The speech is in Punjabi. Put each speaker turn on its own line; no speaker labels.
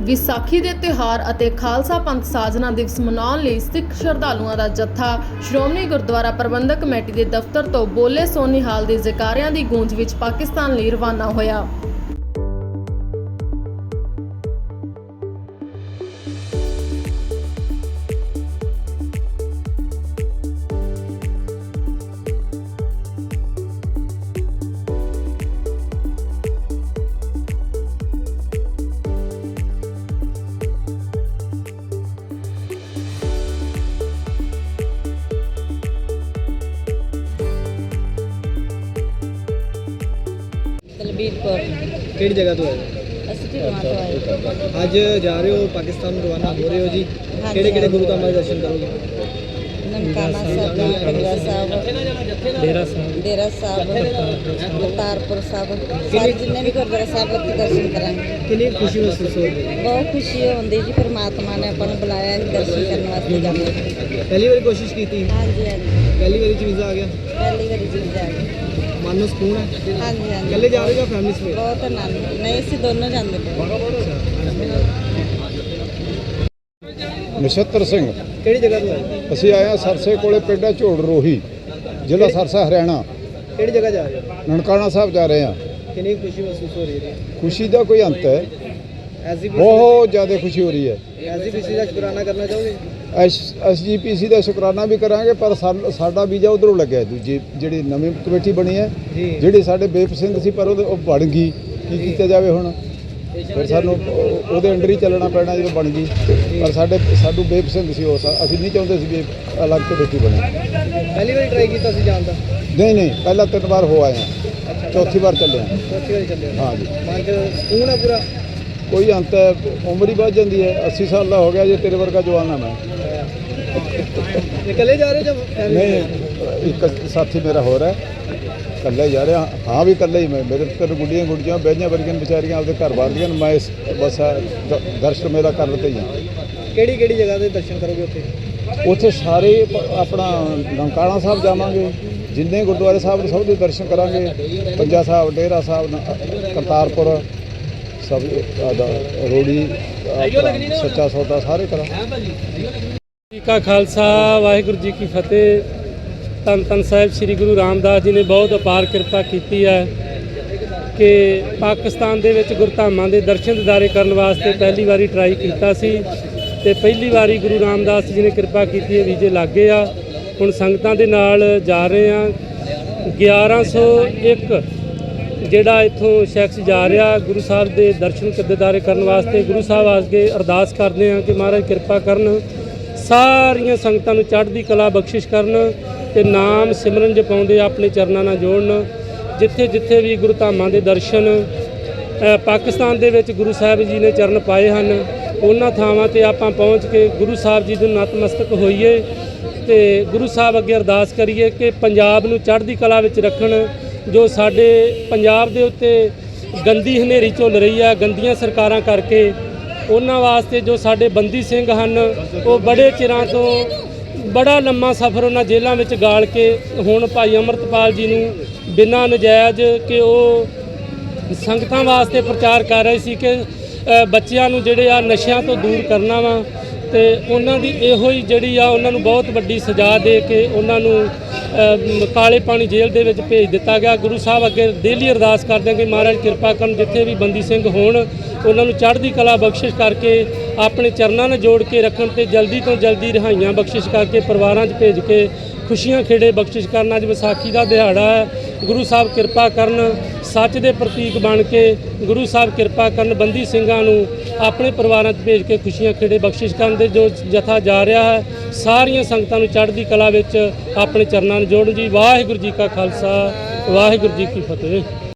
ਵਿਸਾਖੀ ਦੇ ਤਿਉਹਾਰ ਅਤੇ ਖਾਲਸਾ ਪੰਥ ਸਾਜਨਾ ਦਿਵਸ ਮਨਾਉਣ ਲਈ ਸਿੱਖ ਸ਼ਰਧਾਲੂਆਂ ਦਾ ਜੱਥਾ ਸ਼੍ਰੋਮਣੀ ਗੁਰਦੁਆਰਾ ਪ੍ਰਬੰਧਕ ਕਮੇਟੀ ਦੇ ਦਫ਼ਤਰ ਤੋਂ ਬੋਲੇ ਸੋ ਨਿਹਾਲ ਦੇ ਜੈਕਾਰਿਆਂ ਦੀ ਗੂੰਜ ਵਿੱਚ ਪਾਕਿਸਤਾਨ ਲਈ ਰਵਾਨਾ ਹੋਇਆ।
ਦਲਬੀਰ ਕੌਰ
ਕਿਹੜੀ ਜਗ੍ਹਾ ਤੋਂ ਆਏ
ਅਸੀਂ ਢਿਲਵਾਂ ਤੋਂ ਆਏ।
ਅੱਜ ਜਾ ਰਹੇ ਹੋ ਪਾਕਿਸਤਾਨ ਨੂੰ ਰਵਾਨਾ ਹੋ ਰਹੇ ਹੋ ਜੀ।
ਹਾਂਜੀ,
ਕਿਹੜੇ ਕਿਹੜੇ ਗੁਰੂ ਧਾਮਾਂ ਦੇ ਦਰਸ਼ਨ ਕਰੋਗੇ?
ਨਨਕਾਣਾ ਸਾਹਿਬ, ਕੰਗਲਾ ਸਾਹਿਬ, ਡੇਰਾ ਸਾਹਿਬ, ਕਰਤਾਰਪੁਰ ਸਾਹਿਬ, ਸਾਰੇ ਜਿੰਨੇ ਵੀ ਗੁਰਦੁਆਰਾ ਸਾਹਿਬ ਉੱਥੇ ਦਰਸ਼ਨ ਕਰਾਂਗੇ।
ਕਿੰਨੀ ਖੁਸ਼ੀ ਮਹਿਸੂਸ ਹੋ ਰਹੀ ਹੈ?
ਬਹੁਤ ਖੁਸ਼ੀ ਹੁੰਦੀ ਜੀ, ਪਰਮਾਤਮਾ ਨੇ ਆਪਾਂ ਨੂੰ ਬੁਲਾਇਆ ਹੈ ਦਰਸ਼ਨ ਕਰਨ ਵਾਸਤੇ ਜਾਣਾ।
ਪਹਿਲੀ ਵਾਰੀ ਕੋਸ਼ਿਸ਼ ਕੀਤੀ?
ਹਾਂਜੀ ਹਾਂਜੀ,
ਪਹਿਲੀ ਵਾਰੀ ਚ ਵੀਜ਼ਾ ਆ ਗਿਆ?
ਪਹਿਲੀ ਵਾਰੀ ਜੀ ਜਾ ਕੇ।
ਮਨ ਨੂੰ ਸਕੂਨ ਹੈ?
ਹਾਂਜੀ ਹਾਂਜੀ,
ਇਕੱਲੇ ਜਾ ਰਹੇ ਹੋ ਜਾਂ ਫੈਮਿਲੀ ਸਮੇਤ?
ਬਹੁਤ ਆਨੰਦ। ਨਹੀਂ, ਅਸੀਂ ਦੋਨੋਂ ਜਾਂਦੇ ਪਏ।
ਨਛੱਤਰ ਸਿੰਘ।
ਕਿਹੜੀ ਜਗ੍ਹਾ ਤੋਂ ਆਏ?
ਅਸੀਂ ਆਏ ਹਾਂ ਸਰਸੇ ਕੋਲੇ ਪਿੰਡ ਹੈ ਝੋੜ ਰੋਹੀ, ਜ਼ਿਲ੍ਹਾ ਸਰਸਾ, ਹਰਿਆਣਾ।
ਕਿਹੜੀ ਜਗ੍ਹਾ ਜਾ ਰਹੇ ਹੋ?
ਨਨਕਾਣਾ ਸਾਹਿਬ ਜਾ ਰਹੇ ਹਾਂ।
ਕਿੰਨੀ ਖੁਸ਼ੀ ਮਹਿਸੂਸ ਹੋ ਰਹੀ ਹੈ?
ਖੁਸ਼ੀ ਦਾ ਕੋਈ ਅੰਤ ਹੈ,
ਐਸਜੀਪੀਸੀ
ਬਹੁਤ ਜ਼ਿਆਦਾ ਖੁਸ਼ੀ ਹੋ ਰਹੀ ਹੈ।
ਦਾ ਸ਼ੁਕਰਾਨਾ ਕਰਨਾ ਚਾਹੋਗੇ?
ਐਸਜੀਪੀਸੀ ਦਾ ਸ਼ੁਕਰਾਨਾ ਵੀ ਕਰਾਂਗੇ, ਪਰ ਸਾਡਾ ਵੀਜ਼ਾ ਉਧਰੋਂ ਲੱਗਿਆ, ਦੂਜੀ ਜਿਹੜੀ ਨਵੀਂ ਕਮੇਟੀ ਬਣੀ ਹੈ, ਜਿਹੜੀ ਸਾਡੇ ਬੇਪਸੰਦ ਸੀ, ਪਰ ਉਹ ਬਣ ਗਈ। ਕੀ ਕੀਤਾ ਜਾਵੇ ਹੁਣ? ਫਿਰ ਸਾਨੂੰ ਉਹਦੇ ਅੰਡਰ ਹੀ ਚੱਲਣਾ ਪੈਣਾ ਜਦੋਂ ਬਣ ਗਈ। ਪਰ ਸਾਨੂੰ ਬੇਪਸੰਦ ਸੀ ਉਹ, ਅਸੀਂ ਨਹੀਂ ਚਾਹੁੰਦੇ ਸੀ ਵੀ ਅਲੱਗ ਕਮੇਟੀ ਬਣੇ।
ਪਹਿਲੀ ਵਾਰੀ ਟਰਾਈ ਕੀਤਾ ਸੀ ਜਾਣ ਦਾ?
ਨਹੀਂ, ਪਹਿਲਾਂ 3 ਵਾਰ ਹੋ ਆਏ ਹਾਂ, ਚੌਥੀ ਵਾਰ ਚੱਲੇ ਹਾਂ।
ਚੌਥੀ ਵਾਰੀ ਚੱਲੇ ਹੋ?
ਹਾਂ ਜੀ।
ਮਨ ਚ ਸਕੂਨ ਹੈ ਪੂਰਾ?
ਕੋਈ ਅੰਤ ਹੈ, ਉਮਰ ਹੀ ਵੱਧ ਜਾਂਦੀ ਹੈ। 80 ਸਾਲ ਦਾ ਹੋ ਗਿਆ ਜੇ, ਤੇਰੇ ਵਰਗਾ ਜਵਾਨ ਆ ਮੈਂ।
ਇਕੱਲੇ ਜਾ ਰਹੇ ਜਾਂ family
ਨਹੀਂ,
ਨਾਲ?
ਇੱਕ ਸਾਥੀ ਮੇਰਾ ਹੋਰ ਹੈ, ਇਕੱਲੇ ਜਾ ਰਿਹਾ। ਹਾਂ ਵੀ ਇਕੱਲੇ ਹੀ ਮੈਂ। ਮੇਰੇ ਤਿੰਨ ਗੁੱਡੀਆਂ ਬਹਿਆਂ ਵਰਗੀਆਂ ਵਿਚਾਰੀਆਂ ਆਪਦੇ ਘਰ ਬਾਹਰਦੀਆਂ। ਮੈਂ ਬਸ ਦਰਸ਼ਨ ਮੇਰਾ ਕਰਨ ਤੇ ਹੀ ਹਾਂ।
ਕਿਹੜੀ ਕਿਹੜੀ ਜਗ੍ਹਾ ਦੇ ਦਰਸ਼ਨ ਕਰੋਗੇ ਉੱਥੇ?
ਉੱਥੇ ਸਾਰੇ ਆਪਣਾ ਨਨਕਾਣਾ ਸਾਹਿਬ ਜਾਵਾਂਗੇ, ਜਿੰਨੇ ਗੁਰਦੁਆਰੇ ਸਾਹਿਬ ਨੇ ਸਭ ਦੇ ਦਰਸ਼ਨ ਕਰਾਂਗੇ। ਪੰਜਾ ਸਾਹਿਬ, ਡੇਰਾ ਸਾਹਿਬ, ਕਰਤਾਰਪੁਰ, ਸਭ ਰੋੜੀ, ਸੱਚਾ ਸੌਦਾ, ਸਾਰੇ ਕਰਾਂਗੇ।
ਜੀ ਕਾ ਖਾਲਸਾ, ਵਾਹਿਗੁਰੂ ਜੀ ਕੀ ਫਤਿਹ। ਧੰਨ ਧੰਨ ਸਾਹਿਬ ਸ੍ਰੀ ਗੁਰੂ ਰਾਮਦਾਸ ਜੀ ਨੇ ਬਹੁਤ ਅਪਾਰ ਕਿਰਪਾ ਕੀਤੀ ਹੈ ਕਿ ਪਾਕਿਸਤਾਨ ਦੇ ਵਿੱਚ ਗੁਰਧਾਮਾਂ ਦੇ ਦਰਸ਼ਨ ਦਿਦਾਰੇ ਕਰਨ ਵਾਸਤੇ ਪਹਿਲੀ ਵਾਰੀ ਟਰਾਈ ਕੀਤਾ ਸੀ ਤੇ ਪਹਿਲੀ ਵਾਰੀ ਗੁਰੂ ਰਾਮਦਾਸ ਜੀ ਨੇ ਕਿਰਪਾ ਕੀਤੀ ਹੈ, ਵੀਜ਼ੇ ਲੱਗ ਗਏ ਆ। ਹੁਣ ਸੰਗਤਾਂ ਦੇ ਨਾਲ ਜਾ ਰਹੇ ਆ। 1101 ਜਿਹੜਾ ਇੱਥੋਂ ਸ਼ਖਸ ਜਾ ਰਿਹਾ ਗੁਰੂ ਸਾਹਿਬ ਦੇ ਦਰਸ਼ਨ ਦਿਦਾਰੇ ਕਰਨ ਵਾਸਤੇ। ਗੁਰੂ ਸਾਹਿਬ ਅੱਗੇ ਅਰਦਾਸ ਕਰਦੇ ਆ ਕਿ ਮਹਾਰਾਜ ਕਿਰਪਾ ਕਰਨ, ਸਾਰੀਆਂ ਸੰਗਤਾਂ ਨੂੰ ਚੜ੍ਹਦੀ ਕਲਾ ਬਖਸ਼ਿਸ਼ ਕਰਨ ਤੇ ਨਾਮ ਸਿਮਰਨ ਜਪਾਉਂਦੇ ਆਪਣੇ ਚਰਨਾਂ ਨਾਲ ਜੋੜਨ। ਜਿੱਥੇ ਜਿੱਥੇ ਵੀ ਗੁਰੂ ਧਾਮਾਂ ਦੇ ਦਰਸ਼ਨ ਪਾਕਿਸਤਾਨ ਦੇ ਵਿੱਚ ਗੁਰੂ ਸਾਹਿਬ ਜੀ ਨੇ ਚਰਨ ਪਾਏ ਹਨ, ਉਹਨਾਂ ਥਾਵਾਂ ਤੇ ਆਪਾਂ ਪਹੁੰਚ ਕੇ ਗੁਰੂ ਸਾਹਿਬ ਜੀ ਨੂੰ ਨਤਮਸਤਕ ਹੋਈਏ ਤੇ ਗੁਰੂ ਸਾਹਿਬ ਅੱਗੇ ਅਰਦਾਸ ਕਰੀਏ ਕਿ ਪੰਜਾਬ ਨੂੰ ਚੜ੍ਹਦੀ ਕਲਾ ਵਿੱਚ ਰੱਖਣ। ਜੋ ਸਾਡੇ ਪੰਜਾਬ ਦੇ ਉੱਤੇ ਗੰਦੀ ਹਨੇਰੀ ਝੁੱਲ ਰਹੀ ਹੈ ਗੰਦੀਆਂ ਸਰਕਾਰਾਂ ਕਰਕੇ, ਉਹਨਾਂ ਵਾਸਤੇ ਜੋ ਸਾਡੇ ਬੰਦੀ ਸਿੰਘ ਹਨ, ਉਹ ਬੜੇ ਚਿਰਾਂ ਤੋਂ ਬੜਾ ਲੰਮਾ ਸਫ਼ਰ ਉਹਨਾਂ ਜੇਲ੍ਹਾਂ ਵਿੱਚ ਗਾਲ ਕੇ ਹੁਣ ਭਾਈ ਅੰਮ੍ਰਿਤਪਾਲ ਜੀ ਨੂੰ ਬਿਨਾਂ ਨਜਾਇਜ਼ ਕਿ ਉਹ ਸੰਗਤਾਂ ਵਾਸਤੇ ਪ੍ਰਚਾਰ ਕਰ ਰਹੇ ਸੀ ਕਿ ਬੱਚਿਆਂ ਨੂੰ ਜਿਹੜੇ ਆ ਨਸ਼ਿਆਂ ਤੋਂ ਦੂਰ ਕਰਨਾ ਵਾ, ਤੇ ਉਹਨਾਂ ਦੀ ਇਹੋ ਹੀ ਜਿਹੜੀ ਆ ਉਹਨਾਂ ਨੂੰ ਬਹੁਤ ਵੱਡੀ ਸਜ਼ਾ ਦੇ ਕੇ ਉਹਨਾਂ ਨੂੰ ਕਾਲੇ ਪਾਣੀ ਜੇਲ੍ਹ ਦੇ ਵਿੱਚ ਭੇਜ ਦਿੱਤਾ ਗਿਆ। ਗੁਰੂ ਸਾਹਿਬ ਅੱਗੇ ਡੇਲੀ ਅਰਦਾਸ ਕਰਦੇ ਹਾਂ ਕਿ ਮਹਾਰਾਜ ਕਿਰਪਾ ਕਰਨ, ਜਿੱਥੇ ਵੀ ਬੰਦੀ ਸਿੰਘ ਹੋਣ ਉਹਨਾਂ ਨੂੰ ਚੜ੍ਹਦੀ ਕਲਾ ਬਖਸ਼ਿਸ਼ ਕਰਕੇ ਆਪਣੇ ਚਰਨਾਂ ਨਾਲ ਜੋੜ ਕੇ ਰੱਖਣ ਤੇ ਜਲਦੀ ਤੋਂ ਜਲਦੀ ਰਿਹਾਈਆਂ ਬਖਸ਼ਿਸ਼ ਕਰਕੇ ਪਰਿਵਾਰਾਂ 'ਚ ਭੇਜ ਕੇ ਖੁਸ਼ੀਆਂ ਖੇੜੇ ਬਖਸ਼ਿਸ਼ ਕਰਨ। ਅੱਜ ਵਿਸਾਖੀ ਦਾ ਦਿਹਾੜਾ ਹੈ। ਗੁਰੂ ਸਾਹਿਬ ਕਿਰਪਾ ਕਰਨ, ਸੱਚ ਦੇ ਪ੍ਰਤੀਕ ਬਣ ਕੇ ਗੁਰੂ ਸਾਹਿਬ ਕਿਰਪਾ ਕਰਨ, ਬੰਦੀ ਸਿੰਘਾਂ ਨੂੰ ਆਪਣੇ ਪਰਿਵਾਰਾਂ 'ਚ ਭੇਜ ਕੇ ਖੁਸ਼ੀਆਂ ਖੇੜੇ ਬਖਸ਼ਿਸ਼ ਕਰਨ ਦੇ ਜੋ ਜਥਾ ਜਾ ਰਿਹਾ ਹੈ, ਸਾਰੀਆਂ ਸੰਗਤਾਂ ਨੂੰ ਚੜ੍ਹਦੀ ਕਲਾ ਵਿੱਚ ਆਪਣੇ ਚਰਨਾਂ ਨੂੰ ਜੋੜਨ ਜੀ। ਵਾਹਿਗੁਰੂ ਜੀ ਕਾ ਖਾਲਸਾ, ਵਾਹਿਗੁਰੂ ਜੀ ਕੀ ਫਤਿਹ।